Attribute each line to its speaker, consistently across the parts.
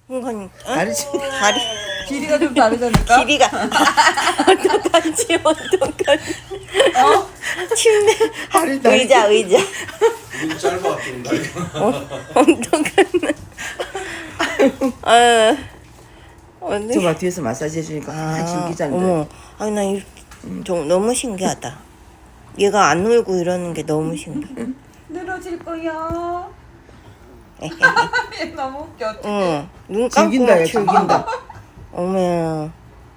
Speaker 1: 이건
Speaker 2: 다르지.
Speaker 1: 다리
Speaker 3: 길이가 좀 다르다니까?
Speaker 1: 길이가 어떡하지 어떡하지 침대
Speaker 2: 다리 다리.
Speaker 1: 의자
Speaker 4: 눈 짧아 좀 다리가.
Speaker 1: 어떡하나 아유 언니
Speaker 2: 저봐 뒤에서 마사지 해주니까 다 즐기잖아.
Speaker 1: 어머 아니 나 좀 너무 신기하다 얘가 안 울고 이러는 게 너무 신기해
Speaker 3: 늘어질 거야. 얘 너무 웃겨. 어떡해.
Speaker 1: 응, 눈 감고
Speaker 2: 즐긴다
Speaker 1: 막
Speaker 2: 얘 즐긴다.
Speaker 1: 어머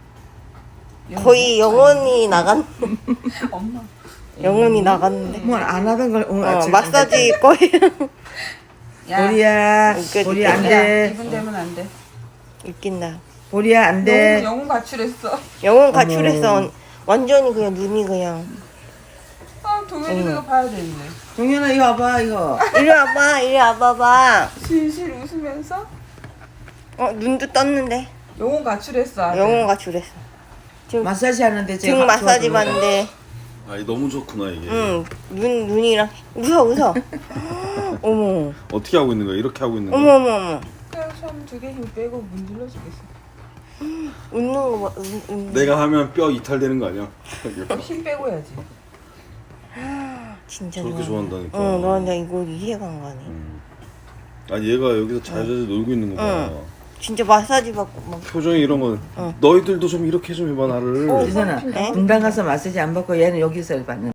Speaker 1: 거의 영혼이 나간
Speaker 3: 엄마.
Speaker 1: 영혼이 나갔는데
Speaker 2: 뭐 안 하던 걸 오늘 아침에
Speaker 1: 마사지 거예요
Speaker 3: 야,
Speaker 2: 보리야
Speaker 1: 웃겨
Speaker 2: 보리야
Speaker 1: 죽겠다.
Speaker 2: 안돼
Speaker 3: 기분 되면 안 돼.
Speaker 1: 웃긴다
Speaker 2: 보리야 안돼.
Speaker 3: 영혼 가출했어.
Speaker 1: 영혼 가출해서 완전히 그냥 눈이 그냥
Speaker 3: 아, 동현이가 이거 봐야 되는데.
Speaker 2: 동현아 이거 와봐 이거.
Speaker 1: 이리 와봐봐
Speaker 3: 실실 웃으면서
Speaker 1: 눈도 떴는데
Speaker 3: 영혼 가출했어. 아들.
Speaker 1: 영혼 가출했어 지금
Speaker 2: 마사지 하는데
Speaker 1: 등 마사지 받는데
Speaker 4: 아이 너무 좋구나 이게.
Speaker 1: 눈이랑 웃어 어머
Speaker 4: 어떻게 하고 있는 거야? 이렇게 하고 있는 거야?
Speaker 1: 어머
Speaker 3: 그냥 손두개 힘 빼고 문질러 주겠어.
Speaker 1: 웃는 거 봐.
Speaker 4: 내가 하면 뼈 이탈되는 거 아니야?
Speaker 3: 힘 빼고 해야지.
Speaker 1: 진짜
Speaker 4: 저렇게 좋아한다니까.
Speaker 1: 나 이거 이해가 안 가네.
Speaker 4: 아니 얘가 여기서 자자자 놀고 있는 거 봐.
Speaker 1: 진짜 마사지 받고 막.
Speaker 4: 표정이 이런 건 너희들도 좀 이렇게 좀 해봐 나를.
Speaker 2: 지선아
Speaker 1: 네?
Speaker 2: 분당 가서 마사지 안 받고 얘는 여기서 받는.